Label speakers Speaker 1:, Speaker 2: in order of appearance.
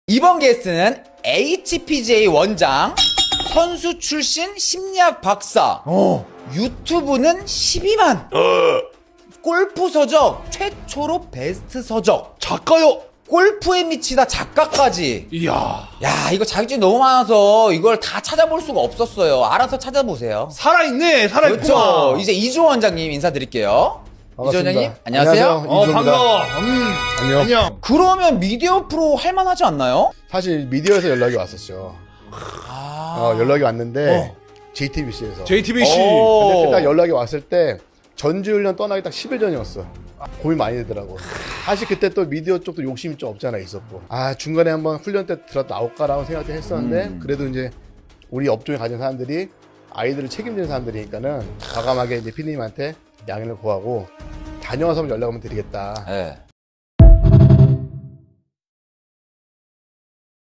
Speaker 1: 이번 게스트는 HPJ 원장, 선수 출신 심리학 박사, 유튜브는 12만, 골프 서적 최초로 베스트 서적,
Speaker 2: 작가요.
Speaker 1: 골프에 미치다 작가까지.
Speaker 2: 이야.
Speaker 1: 야, 이거 자격증이 너무 많아서 이걸 다 찾아볼 수가 없었어요. 알아서 찾아보세요.
Speaker 2: 살아있네. 살아있구나.
Speaker 1: 그렇죠. 이제 이조 원장님 인사드릴게요. 이조
Speaker 3: 반갑습니다.
Speaker 1: 원장님, 안녕하세요.
Speaker 3: 이조입니다.
Speaker 2: 반가워.
Speaker 3: 안녕.
Speaker 2: 안녕.
Speaker 1: 그러면 미디어 프로 할만하지 않나요?
Speaker 3: 사실 미디어에서 연락이 왔었죠. 연락이 왔는데 JTBC에서.
Speaker 2: JTBC.
Speaker 3: 근데 그딱 연락이 왔을 때 전지훈련 떠나기 딱 10일 전이었어. 고민 많이 되더라고. 사실 그때 또 미디어 쪽도 욕심이 좀 없잖아 있었고. 중간에 한번 훈련 때 들어도 나올까라고 생각을 했었는데 그래도 이제 우리 업종에 가진 사람들이 아이들을 책임지는 사람들이니까는 과감하게 이제 피디님한테 양해를 구하고 다녀와서 연락 한번 드리겠다.
Speaker 1: 네.